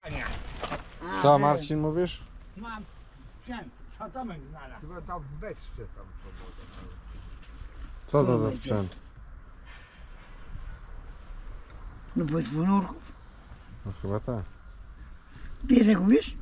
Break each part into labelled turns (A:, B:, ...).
A: Co Marcin mówisz?
B: Mam sprzęt, co Tomek znalazł.
C: Chyba tam w beczce tam to woda.
A: Co to za sprzęt?
D: No bez ponurków.
A: No chyba tak.
D: Ty tak umiesz?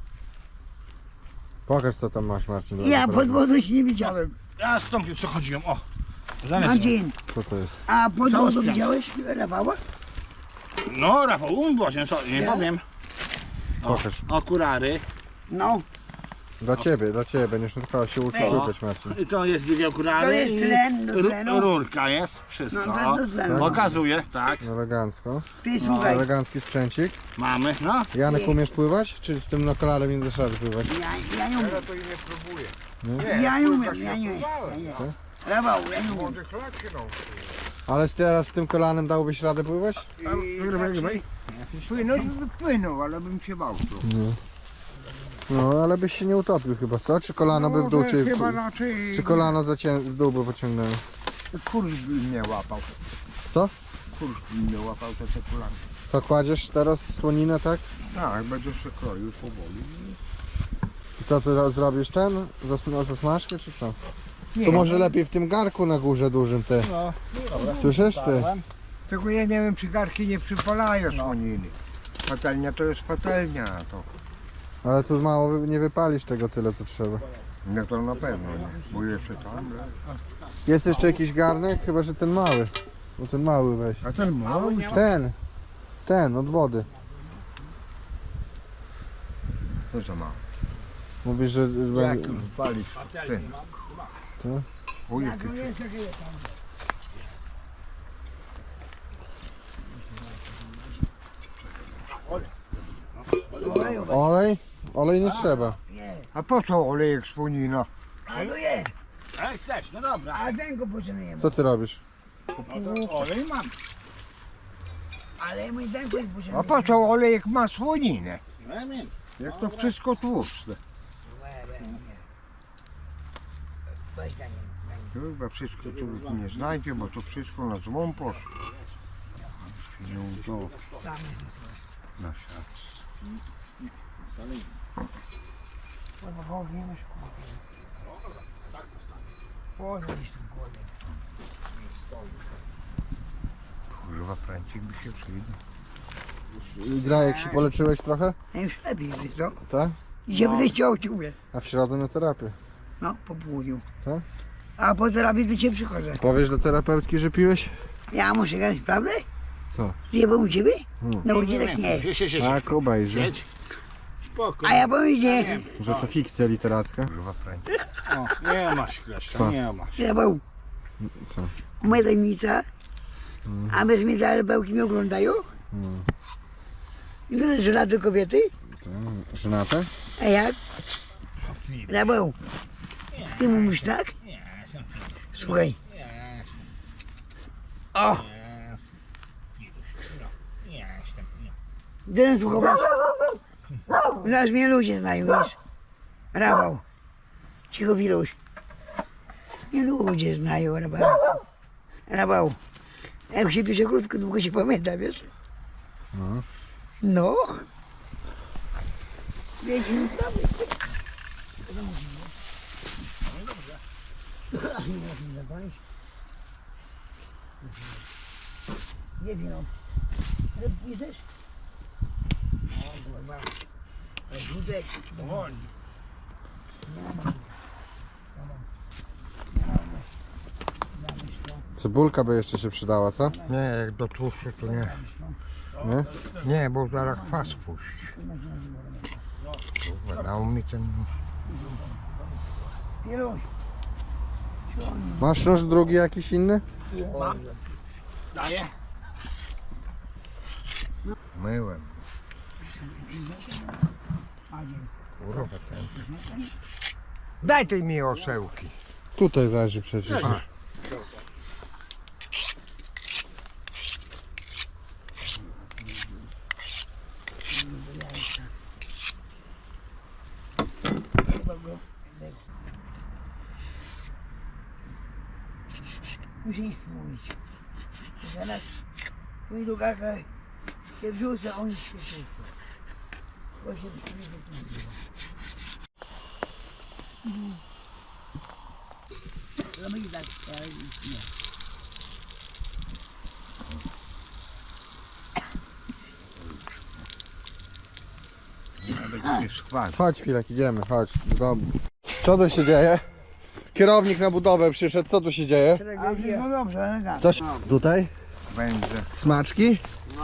A: Pokaż co tam masz Marcin.
D: Ja pod wodą się nie widziałem.
B: Ja z Tomkiem co chodziłem, o. Zamiast.
D: Marcin,
A: Co to jest?
D: a pod
B: Cały
D: wodą
B: sprzęt.
D: widziałeś Rafała?
B: No Rafał, właśnie, co, nie
D: Ja?
B: powiem. O,
A: Pokaż.
B: okulary.
D: No,
A: Dla ciebie, będziesz tylko się uczył
D: Ej.
A: łypać Marcin.
B: I to jest dwie okulary.
D: To jest
B: i
D: tlen do tlenu.
B: Rurka jest, wszystko.
D: No, to do tlenu.
B: Pokazuję, tak.
A: Elegancko.
D: ty słuchaj.
A: Elegancki sprzęcik.
B: Mamy, no.
A: Janek umiesz pływać? Czy z tym kolarem nie dasz rady pływać?
D: Ja nie umiem.
C: Ja to i nie próbuję.
D: Ja nie umiem,
C: tak
D: ja nie umiem.
C: próbowałem.
D: Ja nie. Rafał, ja nie umiem.
C: Może chlak się nauczył.
A: Ale teraz z tym kolanem dałbyś radę pływać?
C: Płynąć by płynął, ale bym się bał tu.
A: No ale byś się nie utopił chyba, co? Czy kolano by w dół cię...
C: Chyba raczej
A: Czy kolano w dół by pociągnęło?
C: kurz by mnie łapał.
A: Co?
C: Kurz by mnie łapał te kulaki.
A: Co, kładziesz teraz słoninę, tak?
C: Tak, będzie się kroił powoli.
A: I co, ty zrobisz ten? Zasmażkę czy co?
C: Nie,
A: To może lepiej w tym garku na górze dużym ty.
B: No,
A: Słyszysz ty?
C: Tylko ja nie wiem, czy garki nie przypalają słoniny. Patelnia to jest patelnia, to.
A: Ale tu mało nie wypalisz tego tyle co trzeba.
C: No to na pewno nie, bo jeszcze tam.
A: Jest jeszcze jakiś garnek? Chyba, że ten mały. No ten mały weź.
C: A ten mały?
A: Ten od wody.
C: To za mało.
A: Mówisz, że
C: Jak
A: będzie...
C: walisz ten?
A: To?
C: O, jaki
A: Olej? Olej nie trzeba.
C: A po co olejek słonina?
D: A to jest.
B: jak chcesz, no dobra.
D: A ten go potrzebujemy.
A: Co ty robisz?
B: No to olej mam.
D: Ale my ten go
C: A
D: potrzebujemy.
C: po co olejek ma słoninę?
B: No ja wiem.
C: Jak to wszystko tłuste.
D: Weź na nim.
C: To chyba wszystko tu nie znajdzie, bo to wszystko na złom poszło. Nie to na siat.
D: Pozwolisz tu głodę.
C: Kurwa, pręcik by się przydał.
A: Grajek się poleczyłeś trochę?
D: A już lepiej, wiesz co?
A: Tak?
D: Gdzie będę chciał ciągle.
A: A w środę na terapię.
D: No, po południu.
A: Tak?
D: A po terapii do ciebie przychodzę.
A: Powiesz do terapeutki, że piłeś?
D: Ja muszę grać, prawda?
A: Co?
D: Zjebał u ciebie?
A: Hmm.
D: No udzielek nie.
B: Siedź.
A: Tak, obejrzy.
B: Siedź. Spokój.
D: A ja powiem, gdzie?
A: Że to fikcja literacka.
C: Kurwa, pręcik.
B: O, nie masz kleszcza,
A: Co?
B: nie masz.
D: Zjebał.
A: Co?
D: Moja tajemnica. A wiesz, mnie te bełki mnie oglądają? I to jest żelady kobiety?
A: Żenate?
D: A jak? Rabeł. Ty mówisz tak?
B: Nie, jestem
D: Słuchaj.
B: Nie,
D: O!
B: nie, jestem.
D: Ten słuchał. Zaraz mnie ludzie znają, wiesz? Rafał. Cicho, Wiluś. Mnie ludzie znają, Rafał. Rafał. Jak się pisze krótko, długo się pamięta, wiesz?
A: No.
D: No. Wiecie, nie prawie. Nie wiem, no. Rybki chcesz? O, kurwa. Żółtek.
B: Powoli.
A: Cebulka by jeszcze się przydała, co?
C: Nie, jak do tłuszczu to nie.
A: Nie?
C: Nie, bo zaraz kwas puści. Kurwa, dał mi ten...
D: Wiluś.
A: Masz nóż drugi jakiś inny?
B: Daję.
C: Myłem. Kurwa, ten... Daj tej mi osełki.
A: Tutaj leży przecież.
D: Muszę nic mówić. Zaraz pójdą garka, się wrzucę, oni się wrzucą.
C: Będzie schwać.
A: Chodź chwilek, idziemy, chodź, do domu. Co tu się dzieje? Kierownik na budowę przyszedł, co tu się dzieje?
D: No dobrze, ale tak.
A: Coś tutaj?
C: Będzie.
A: Smaczki?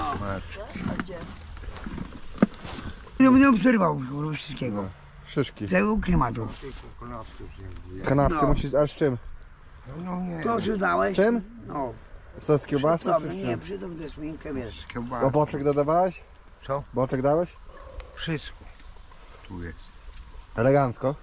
D: Nie będę obserwował kurwa, wszystkiego.
A: Szyszki.
D: Całego klimatu.
A: Kanapkę
D: No.
A: musisz, a z czym?
C: No nie.
D: To co dałeś?
A: Z czym?
D: No.
A: Co z kiełbasą czy
D: Dobra,
A: z
D: nie,
A: czym?
D: przy tym tę sminkę wiesz.
A: O boczek dodawałeś?
C: Co?
A: Boczek dałeś?
C: Wszystko tu jest.
A: Elegancko.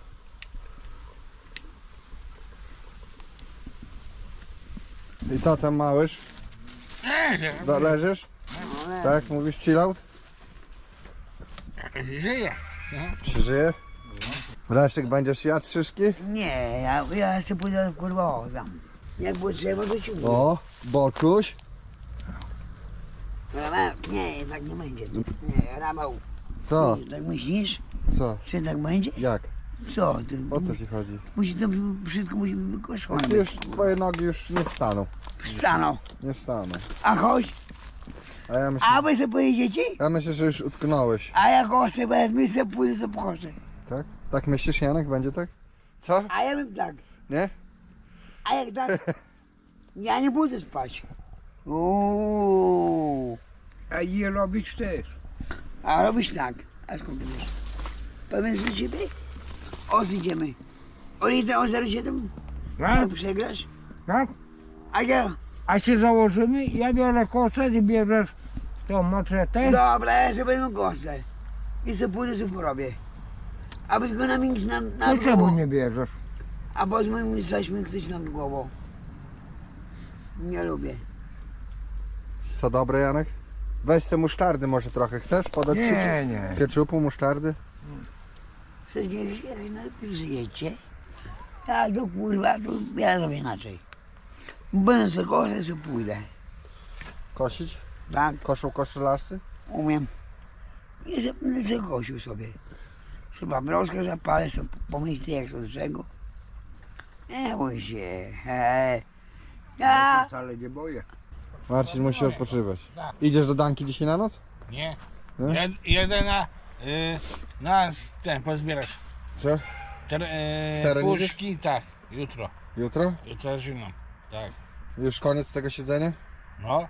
A: I co tam małysz? Leżysz? Tak, mówisz chill out?
B: Jakoś żyje.
A: Się żyje? Leszek, będziesz jadł szyszki?
D: Nie, ja sobie pójdę kurwa o tam. Jak było trzeba, to ci mówię.
A: O, boczuś.
D: Nie, jednak nie będzie. Nie, Rafał.
A: Co?
D: Tak myślisz,
A: Co?
D: że tak będzie?
A: Jak?
D: Co ty?
A: O co ci chodzi?
D: Musi to wszystko musi być wykoszone.
A: Ty już, twoje nogi już nie wstaną.
D: Wstaną.
A: Nie wstaną.
D: A chodź, a wy sobie pojedziecie?
A: Ja myślę, że już utknąłeś.
D: A jak osę wezmę, sobie pójdę, sobie pochodzę.
A: Tak? Tak myślisz, Janek? Będzie tak? Co?
D: A ja bym tak.
A: Nie?
D: A jak tak? Ja nie będę spać. Uuu.
C: A je robić też.
D: A robisz tak. A skąd ty wiesz? Powiem do ciebie? Idziemy. O litę o 07?
C: Tak?
D: Jak przegrasz?
C: Tak?
D: A ja?
C: A się założymy, ja biorę kosę, ty bierzesz tą maczetę.
D: Dobra, ja sobie wezmę kostę. I sobie pójdę, sobie porobię. A tylko na mnie na
C: To czemu
D: głową.
C: nie bierzesz?
D: A bo z moim zaśmy ktoś nad głową. Nie lubię.
A: Co dobre, Janek? Weź se musztardy może trochę. Chcesz podać ci?
C: Nie, nie.
A: Ketchupu, musztardy?
D: Przecież jak najpierw żyjecie, a to kurwa, to ja zrobię inaczej. Będę sobie kosę, sobie pójdę.
A: Kosić?
D: Tak,
A: Koszą koszylarsy?
D: umiem. I będę sobie kosił sobie. Sobie paproskę zapalę, sobie pomyślę jak to do czego. Nie bój się. Ja
C: Wcale nie boję.
A: Marcin musi odpoczywać.
B: Tak.
A: Idziesz do Danki dzisiaj na noc?
B: Nie.
A: Nie?
B: Jedę na ten pozbierać.
A: Co? teren
B: Puszki, tak, jutro.
A: Jutro?
B: Jutro zimno. Tak.
A: Już koniec tego siedzenia?
B: No.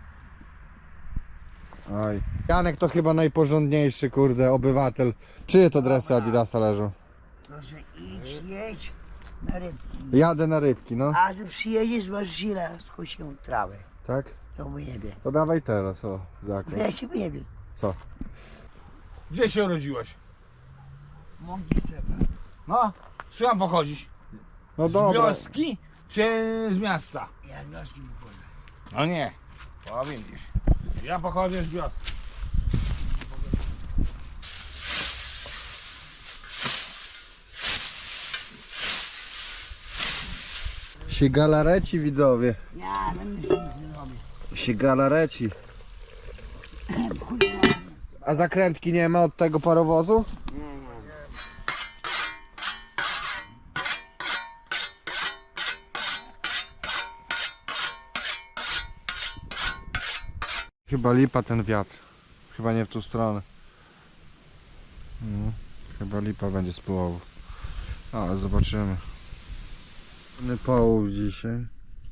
A: Oj. Janek to chyba najporządniejszy, kurde, obywatel. Czyje to dresy Adidasa leżą?
D: proszę idź, jedź na rybki.
A: Jadę na rybki, no.
D: A ty przyjedziesz, masz źle skosił trawę.
A: Tak?
D: To wyjebie.
A: To dawaj teraz, o,
D: No
A: zakład.
D: ja ci wyjebie.
A: Co?
B: Gdzie się urodziłeś?
D: Mąki strefa.
B: No. Słucham pochodzić.
A: No
B: Z
A: dobra.
B: wioski czy z miasta?
D: Ja z wioski wychodzę.
B: No nie. Powiem gdzieś. Ja pochodzę z wioski.
A: Się galareci, widzowie.
D: Ja no nic nie zrobię.
A: Się galareci.
D: Chuj,
A: A zakrętki nie ma od tego parowozu? Chyba lipa ten wiatr. Chyba nie w tą stronę. No, chyba lipa będzie z połowów. Ale zobaczymy. Połów dzisiaj.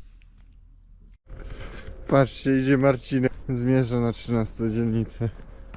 A: Patrzcie, idzie Marcinek. Zmierza na 13 dzielnicę.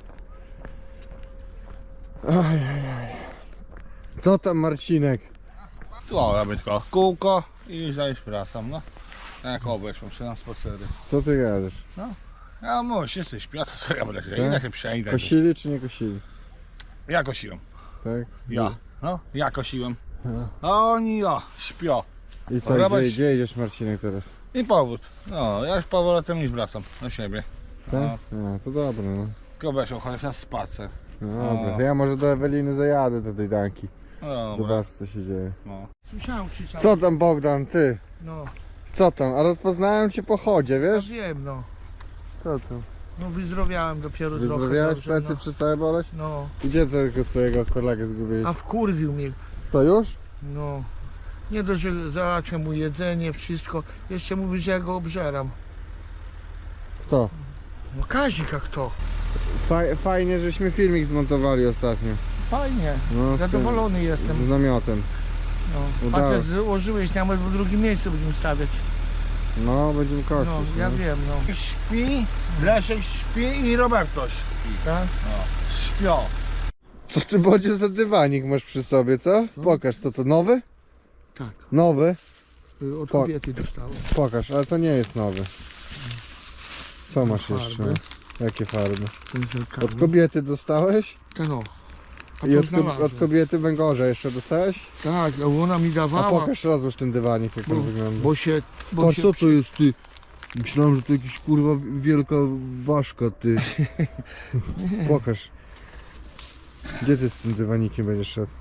A: Ajajaj. Co tam, Marcinek?
B: Tu robię tylko kółko i już dajesz prasą, no. Jak obeszłem się na spacery.
A: Co ty gadasz?
B: Ja mówię, wszyscy śpią, to co ja będę się,
A: Tak?
B: idę się przejdę.
A: Kosili czy nie kosili?
B: Ja kosiłem.
A: Tak?
B: Ja. No, ja kosiłem.
A: No.
B: A oni śpią.
A: I co,
B: Robisz-
A: gdzie idziesz, Marcinek, teraz?
B: I powód. No, ja już powrotem już wracam do siebie.
A: Tak? No, to dobre, no.
B: Tylko weszłem chociaż na spacer.
A: No dobra, to ja może do Eweliny zajadę do tej Danki.
B: No, dobra.
A: Zobacz, co się dzieje.
B: No.
C: Słyszałem krzyczał.
A: Co tam, Bogdan, ty?
C: No,
A: Co tam? A rozpoznałem cię po chodzie,
C: ja
A: wiesz?
C: wiem, no.
A: Co tam?
E: No wyzdrowiałem dopiero trochę.
A: Wyzdrowiałeś,
E: dobrze,
A: plecy
E: no.
A: przestały boleć?
E: No,
A: Gdzie tego swojego kolegę zgubiłeś?
E: a wkurwił mnie.
A: Co już?
E: No. Nie dość, że załatwia mu jedzenie, wszystko. Jeszcze mówi, że ja go obżeram.
A: Kto?
E: No Kazik, a kto?
A: Fajnie, żeśmy filmik zmontowali ostatnio.
E: Fajnie.
A: No,
E: Zadowolony jestem.
A: Z namiotem.
E: No.
A: Udało.
E: Patrz, złożyłeś, nawet w drugim miejscu będziemy stawiać.
A: No, będziemy kościć.
E: No, ja wiem, no.
B: Śpi, Leszek śpi i Roberto śpi.
E: Tak?
B: Śpią.
A: Co ty Bodzie za dywanik masz przy sobie, co? Pokaż, co to, nowy?
E: Tak.
A: Nowy?
E: Od
A: Po-
E: kobiety dostałem.
A: Pokaż, ale to nie jest nowy. Co masz
E: Farby.
A: jeszcze? Jakie farby?
E: Ten zerkany.
A: Od kobiety dostałeś?
E: Tak, no. A
A: I
E: to
A: od
E: znalazłem.
A: kobiety węgorza jeszcze dostałeś?
E: Tak, no ona mi
A: A
E: dawała.
A: pokaż, rozłóż ten dywanik, jak on wygląda.
E: Bo się... Bo
A: Patrz,
E: się
A: co to jest, ty? Myślałem, że to jakiś kurwa wielka ważka, ty. Pokaż. Gdzie ty z tym dywanikiem będziesz szedł?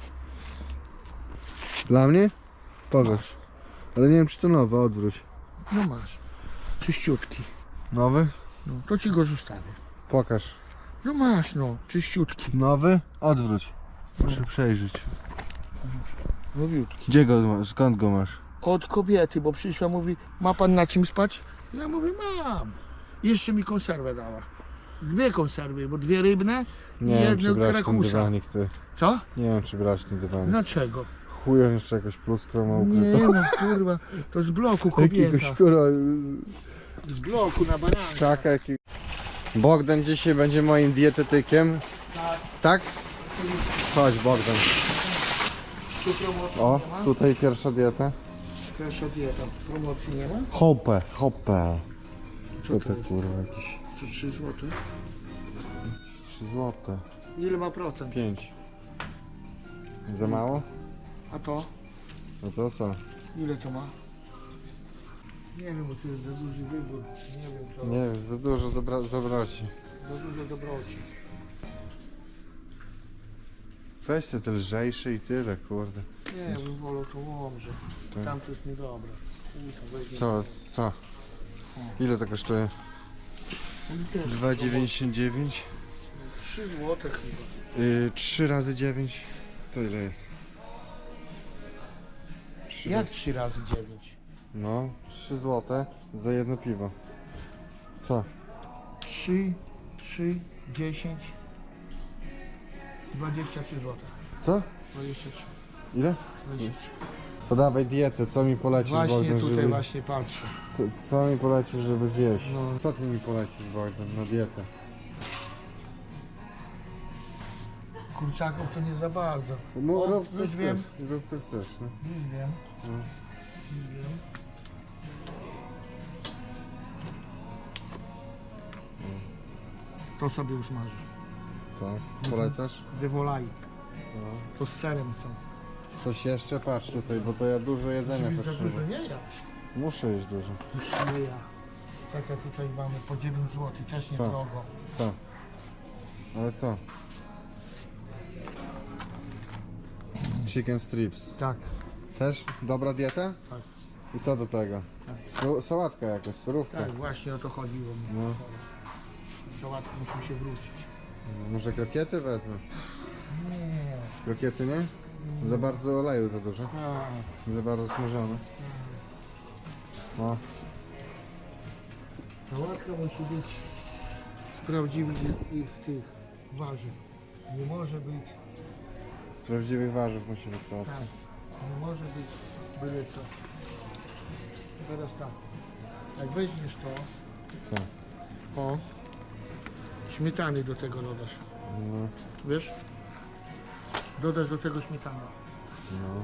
A: Dla mnie? Pokaż. Ale nie wiem, czy to nowe, odwróć.
E: No masz. Czyściutki.
A: Nowy?
E: No, to ci go zostawię.
A: Pokaż.
E: No masz, no. Czyściutki.
A: Nowy? Odwróć. Muszę przejrzeć.
E: Nowiutki.
A: Gdzie go masz? Skąd go masz?
E: Od kobiety, bo przyszła, mówi, ma pan na czym spać? Ja mówię, mam. Jeszcze mi konserwę dała. 2 konserwy, bo 2 rybne i
A: Nie wiem, czy
E: jedno
A: brać ten
E: krakusa.
A: dywanik, ty.
E: Co?
A: Nie wiem, czy brać ten dywanik.
E: Dlaczego?
A: Chuj, on jeszcze jakoś pluskrą ma
E: Nie
A: ukrytą.
E: no, kurwa, to z bloku kobieta.
A: Jakiegoś kurwa
E: Z bloku na bananie.
A: krzaka. Bogdan dzisiaj będzie moim dietetykiem. Tak? Chodź Bogdan.
E: Tu promocji
A: O,
E: nie ma?
A: tutaj pierwsza dieta.
E: Pierwsza dieta. Promocji nie ma?
A: Hopę, hopę.
E: Co to
A: Tutaj
E: jest?
A: kurwa jakieś
E: Co 3 zł?
A: 3 złote.
E: Ile ma procent?
A: 5. Za mało?
E: A to?
A: No to co?
E: Ile to ma? Nie wiem, bo to jest za duży wybór. Nie wiem co.
A: Nie wiem, za dużo zabraci.
E: Za dużo dobroci.
A: Weźcie te lżejsze i tyle, kurde.
E: Nie, ja bym wolał to łomże.
A: Tak.
E: Tamto jest niedobre. Kurwa, weźmie.
A: Co? Co? Ile to kosztuje?
E: Oni też
A: 2,99.
E: 3 zł chyba.
A: 3 razy 9 to ile jest? 3
E: Jak 3 razy 9?
A: No, 3 złote za jedno piwo. Co?
E: 3, 10, 23 zł.
A: Co?
E: 23.
A: Ile?
E: 23.
A: Podawaj dietę, co mi polecisz
E: Właśnie
A: Bogdan,
E: tutaj
A: żeby...
E: właśnie patrzę.
A: Co mi polecisz, żeby zjeść?
E: No.
A: Co ty mi polecisz Bogdan na dietę?
E: Kurczaków to nie za bardzo.
A: No,
E: O,
A: rób co
E: już
A: chcesz,
E: wiem.
A: rób co chcesz, no.
E: Już wiem.
A: No.
E: Już wiem. To sobie usmażę.
A: Tak, polecasz?
E: Dewolaj.
A: No.
E: To z serem są.
A: Coś jeszcze? Patrz tutaj, bo to ja dużo jedzenia
E: Żeby za dużo
A: potrzebuję.
E: nie ja.
A: Muszę jeść dużo.
E: Nie ja. Czekaj, tutaj mamy po 9 zł, też nie
A: Co?
E: drogo.
A: Co? Ale co? Chicken strips.
E: Tak.
A: Też dobra dieta?
E: Tak.
A: I co do tego? Sałatka jakaś, surówka.
E: Tak, właśnie o to chodziło mi.
A: No.
E: Sałatkę musimy się wrócić.
A: Może krokiety wezmę?
E: Nie.
A: Krokiety nie? Za bardzo oleju za dużo.
E: Tak.
A: Za bardzo smażone. No.
E: Sałatka musi być z prawdziwych tych warzyw. Nie może być,
A: Z prawdziwych warzyw musi być sałatka.
E: tak, nie może być byle co. Teraz tak, jak weźmiesz to,
A: Co?
E: o, śmietany do tego dodasz,
A: No.
E: wiesz? Dodasz do tego śmietanę.
A: No.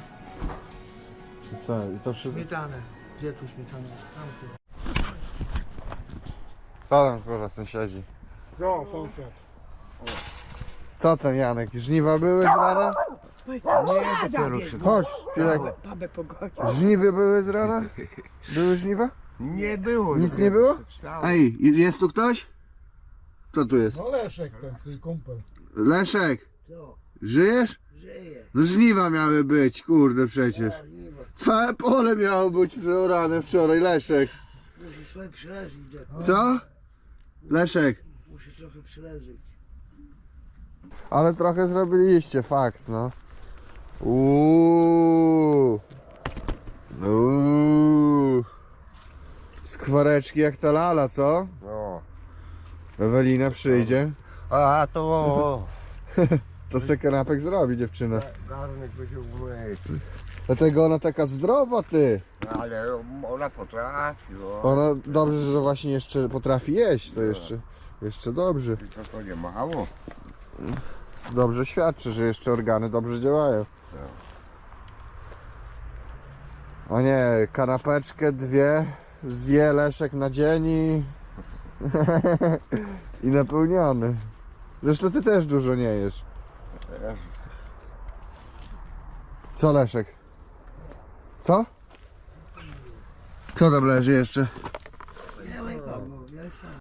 A: I co? I to wszystko?
E: Śmietanę. Gdzie tu śmietanę? Tam tu.
A: Co tam kurwa sąsiedzi?
E: No, sąsiad.
A: Co tam Janek? Żniwa były z rana?
C: Nie, dopiero się...
A: Chodź, chwilę.
D: Babę pogodzi.
A: Żniwy były z rana? Były żniwa?
C: Nie było.
A: Nic nie było? Ej, jest tu ktoś? Kto tu jest?
E: No Leszek, ten twój kumpel.
A: Leszek,
D: Co?
A: żyjesz?
D: Żyje.
A: No żniwa miały być, kurde przecież. Całe pole miało być przeorane wczoraj, Leszek.
D: Muszę sobie przeżyć.
A: Co? Leszek,
E: Musi trochę przyleżeć.
A: ale trochę zrobiliście, fakt, no. Uuu. Skwareczki jak ta lala, co?
C: No.
A: Ewelina przyjdzie,
C: A to
A: to se kanapek zrobi dziewczyna.
C: garnek będzie umyć.
A: Dlatego ona taka zdrowa, ty.
C: Ale ona potrafi, no.
A: Ona dobrze, że właśnie jeszcze potrafi jeść, to jeszcze dobrze.
C: Tylko to nie mało.
A: Dobrze świadczy, że jeszcze organy dobrze działają. O nie, kanapeczkę dwie zje Leszek na dzień i napełniony. Zresztą ty też dużo nie jesz. Co Leszek? Co? Co tam leży jeszcze?
D: Białego, bo ja sam.